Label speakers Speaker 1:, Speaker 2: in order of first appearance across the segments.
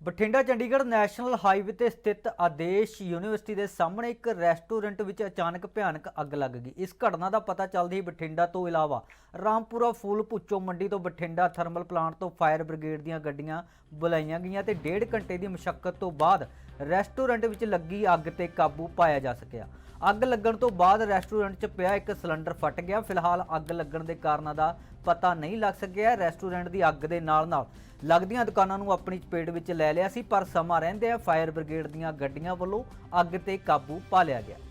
Speaker 1: Bathinda Chandigarh national highway ਤੇ ਸਥਿਤ ਆਦੇਸ਼ university ਦੇ ਸਾਹਮਣੇ ਇੱਕ ਰੈਸਟੋਰੈਂਟ ਵਿੱਚ ਅਚਾਨਕ ਭਿਆਨਕ ਅੱਗ ਲੱਗ ਗਈ। ਇਸ ਘਟਨਾ ਦਾ ਪਤਾ ਚੱਲਦੇ ਹੀ ਬਠਿੰਡਾ ਤੋਂ ਇਲਾਵਾ ਰਾਮਪੁਰਾ ਫੂਲ ਭੁੱਚੋ ਮੰਡੀ ਤੋਂ ਬਠਿੰਡਾ ਥਰਮਲ ਪਲਾਂਟ ਤੋਂ ਫਾਇਰ ਬ੍ਰਿਗੇਡ ਦੀਆਂ ਗੱਡੀਆਂ ਬੁਲਾਈਆਂ ਗਈਆਂ ਤੇ 1.5 ਘੰਟੇ ਦੀ ਮੁਸ਼ੱਕਤ ਤੋਂ ਬਾਅਦ ਰੈਸਟੋਰੈਂਟ ਵਿੱਚ ਲੱਗੀ ਅੱਗ ਤੇ ਕਾਬੂ ਪਾਇਆ ਜਾ ਸਕਿਆ। ਅੱਗ ਲੱਗਣ ਤੋਂ ਬਾਅਦ ਰੈਸਟੋਰੈਂਟ 'ਚ ਪਿਆ ਇੱਕ ਸਿਲੰਡਰ ਫਟ ਗਿਆ। ਫਿਲਹਾਲ ਅੱਗ ਲੱਗਣ ਦੇ ਕਾਰਨਾਂ ਦਾ ਪਤਾ ਨਹੀਂ ਲੱਗ ਸਕਿਆ। ਰੈਸਟੋਰੈਂਟ ਦੀ ਅੱਗ ਦੇ ਨਾਲ ਲੱਗਦੀਆਂ ਦੁਕਾਨਾਂ ਨੂੰ ਆਪਣੀ ਚਪੇਟ ਵਿੱਚ ਲੈ ਲਿਆ ਸੀ, ਪਰ ਸਮਾਂ ਰਹਿੰਦਿਆਂ ਫਾਇਰ ਬ੍ਰਿਗੇਡ ਦੀਆਂ ਗੱਡੀਆਂ ਵੱਲੋਂ ਅੱਗ ਤੇ ਕਾਬੂ ਪਾ ਲਿਆ ਗਿਆ।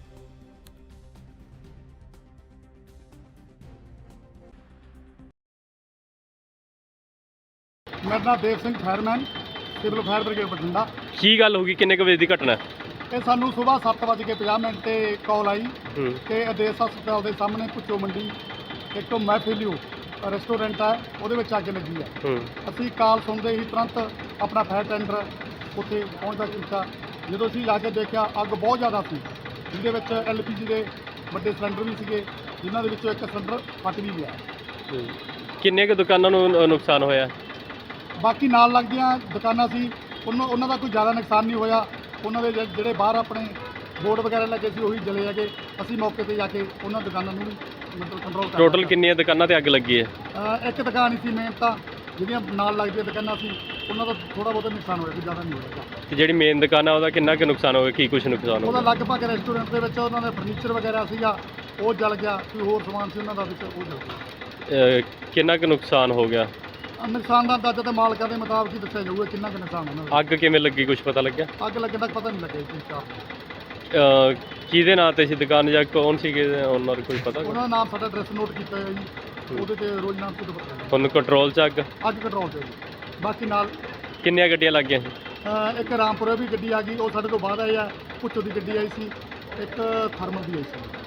Speaker 2: मेरा नाम Dev Singh fireman civil fire brigade Bathinda.
Speaker 3: ਕੀ ਗੱਲ ਹੋ ਗਈ? ਕਿੰਨੇ ਕੁ ਵਜੇ ਦੀ ਘਟਨਾ?
Speaker 2: ये सानू सुबह 7:50 ਤੇ कॉल आई कि आदेश हस्पताल के सामने भुच्चो मंडी एक महफिलियो रेस्टोरेंट है ਉਹਦੇ ਵਿੱਚ ਅੱਗ ਲੱਗੀ ਹੈ। ਅਸੀਂ ਕਾਲ ਸੁਣਦੇ ਹੀ ਤੁਰੰਤ ਆਪਣਾ ਫਾਇਰ ਟੈਂਡਰ ਉੱਥੇ ਪਹੁੰਚਦਾ ਕੀਤਾ। ਜਦੋਂ ਅਸੀਂ ਜਾ ਕੇ ਦੇਖਿਆ ਅੱਗ ਬਹੁਤ ਜ਼ਿਆਦਾ ਸੀ, ਜਿਹਦੇ ਵਿੱਚ LPG ਦੇ ਵੱਡੇ ਸਿਲੰਡਰ ਵੀ ਸੀਗੇ, ਜਿਨ੍ਹਾਂ ਦੇ ਵਿੱਚੋਂ ਇੱਕ ਸਿਲੰਡਰ ਫਟ ਵੀ ਗਿਆ।
Speaker 3: ਕਿੰਨੇ ਕੁ ਦੁਕਾਨਾਂ ਨੂੰ ਨੁਕਸਾਨ ਹੋਇਆ?
Speaker 2: ਬਾਕੀ ਨਾਲ ਲੱਗਦੀਆਂ ਦੁਕਾਨਾਂ ਸੀ, ਉਹਨਾਂ ਦਾ ਕੋਈ ਜ਼ਿਆਦਾ ਨੁਕਸਾਨ ਨਹੀਂ ਹੋਇਆ। ਉਹਨਾਂ ਦੇ ਜਿਹੜੇ ਬਾਹਰ ਆਪਣੇ ਬੋਰਡ ਵਗੈਰਾ ਲੱਗੇ ਸੀ ਉਹੀ ਜਲੇ ਹੈਗੇ। ਅਸੀਂ ਮੌਕੇ ਤੇ ਜਾ ਕੇ ਉਹਨਾਂ ਦੁਕਾਨਾਂ ਨੂੰ ਵੀ ਮਤਲਬ ਕੰਟਰੋਲ ਕਰ
Speaker 3: ਟੋਟਲ ਕਿੰਨੀਆਂ ਦੁਕਾਨਾਂ ਤੇ ਅੱਗ ਲੱਗੀ ਹੈ?
Speaker 2: ਇੱਕ ਦੁਕਾਨ ਹੀ ਸੀ ਮੇਨ, ਤਾਂ ਜਿਹੜੀਆਂ ਨਾਲ ਲੱਗਦੀਆਂ ਦੁਕਾਨਾਂ ਸੀ ਉਹਨਾਂ ਦਾ ਥੋੜਾ ਬਹੁਤਾ ਨੁਕਸਾਨ ਹੋਇਆ, ਕੋਈ ਜ਼ਿਆਦਾ ਨਹੀਂ ਹੋਇਆ।
Speaker 3: ਤੇ ਜਿਹੜੀ ਮੇਨ ਦੁਕਾਨ ਆ ਉਹਦਾ ਕਿੰਨਾ ਕੁ ਨੁਕਸਾਨ ਹੋਇਆ? ਕੀ ਕੁਝ ਨੁਕਸਾਨ
Speaker 2: ਉਹਦਾ
Speaker 3: ਹੋਇਆ?
Speaker 2: ਲਗਭਗ ਰੈਸਟੋਰੈਂਟ ਦੇ ਵਿੱਚ ਉਹਨਾਂ ਦਾ ਫਰਨੀਚਰ ਵਗੈਰਾ ਸੀਗਾ ਉਹ ਜਲ ਗਿਆ, ਕੋਈ ਹੋਰ ਸਮਾਨ ਸੀ ਉਹਨਾਂ ਦਾ ਵਿੱਚ ਉਹ ਜਲ ਗਿਆ।
Speaker 3: ਕਿੰਨਾ ਕੁ ਨੁਕਸਾਨ ਹੋ ਗਿਆ?
Speaker 2: ਨੁਕਸਾਨ ਦਾ ਅੰਦਾਜ਼ਾ ਤਾਂ ਮਾਲਕਾਂ ਦੇ ਮੁਤਾਬਕ ਹੀ ਦੱਸਿਆ ਜਾਊਗਾ ਕਿੰਨਾ ਕੁ ਨੁਕਸਾਨ ਉਹਨਾਂ ਦਾ।
Speaker 3: ਅੱਗ ਕਿਵੇਂ ਲੱਗੀ, ਕੁਝ ਪਤਾ ਲੱਗਿਆ?
Speaker 2: ਅੱਗ ਲੱਗਣ ਦਾ ਪਤਾ ਨਹੀਂ ਲੱਗਿਆ ਜੀ ਸਟਾਫ
Speaker 3: ਕਿਹਦੇ ਨਾਂ ਤੇ ਸੀ ਦੁਕਾਨ ਜਾਂ ਕੌਣ ਸੀਗੇ ਉਹਨਾਂ ਦਾ ਕੋਈ ਪਤਾ?
Speaker 2: ਉਹਨਾਂ ਦਾ ਨਾਮ ਸਾਡਾ ਐਡਰੈਸ ਨੋਟ ਕੀਤਾ ਹੋਇਆ ਜੀ, ਉਹਦੇ ਤੇ ਰੋਜ਼ ਨਾਮ ਤੋਂ ਪਤਾ
Speaker 3: ਹੁਣ ਕੰਟਰੋਲ 'ਚ ਅੱਗ
Speaker 2: ਕੰਟਰੋਲ ਤੇ ਜੀ। ਬਾਕੀ ਨਾਲ
Speaker 3: ਕਿੰਨੀਆਂ ਗੱਡੀਆਂ ਲੱਗ ਗਈਆਂ ਸੀ?
Speaker 2: ਇੱਕ ਰਾਮਪੁਰਾ ਵੀ ਗੱਡੀ ਆ ਗਈ, ਉਹ ਸਾਡੇ ਤੋਂ ਬਾਅਦ ਆਈ ਆ। ਭੁੱਚੋ ਦੀ ਗੱਡੀ ਆਈ ਸੀ, ਇੱਕ ਥਰਮਲ ਦੀ ਆਈ ਸੀ।